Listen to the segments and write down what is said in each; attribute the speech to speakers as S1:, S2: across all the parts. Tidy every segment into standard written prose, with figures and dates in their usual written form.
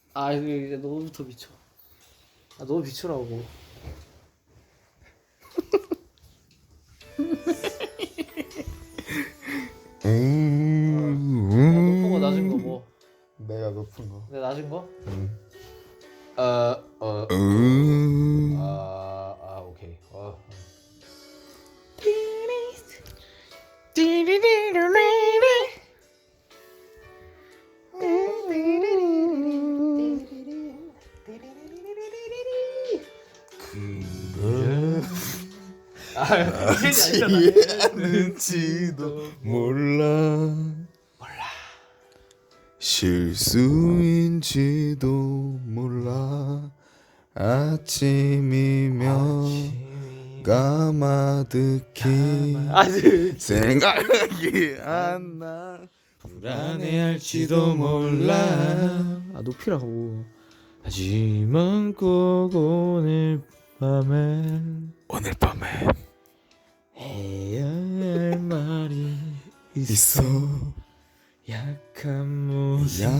S1: 아 이제 너부터 비춰. 아 너 비추라고. 높은 거 낮은 거 뭐?
S2: 내가 높은 거.
S1: 내 낮은 거? 오케이.
S2: 알지 않을지도 몰라. 실수인지도 몰라. 아침이면 까마득히 생각이 안 나. 불안해할지도 몰라.
S1: 아 높이라고. 하지만 꼭 오늘 밤엔 해야 할 말이
S2: 있어.
S1: 약한 모습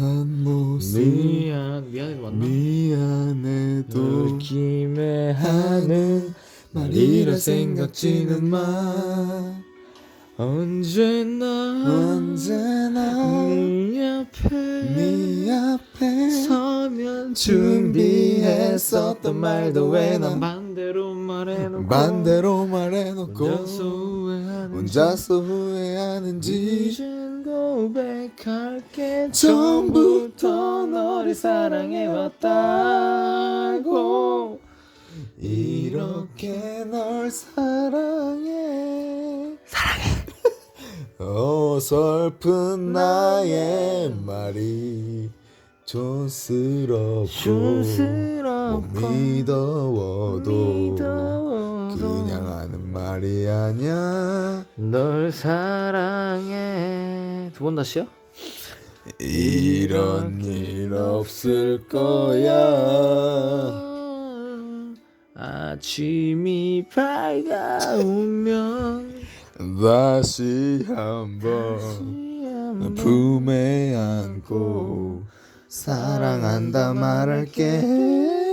S1: 미안해도 맞나?
S2: 미안해도
S1: 느낌에 하는
S2: 말이라 생각지는 마.
S1: 언제나 네 앞에 서면 준비했었던 말도 왜 난 반대로 말해놓고
S2: 혼자서 후회하는지
S1: 이젠 고백할게. 처음부터 너를 사랑해왔다고.
S2: 이렇게 널 사랑해. 어설픈 나의 말이 촌스럽고 못 믿어워도 그냥 하는 말이 아냐.
S1: 널 사랑해. 두 번 다시요?
S2: 이런 일 없을 거야.
S1: 아침이 밝아오면
S2: 다시 한번 품에 안고 사랑한다 말할게.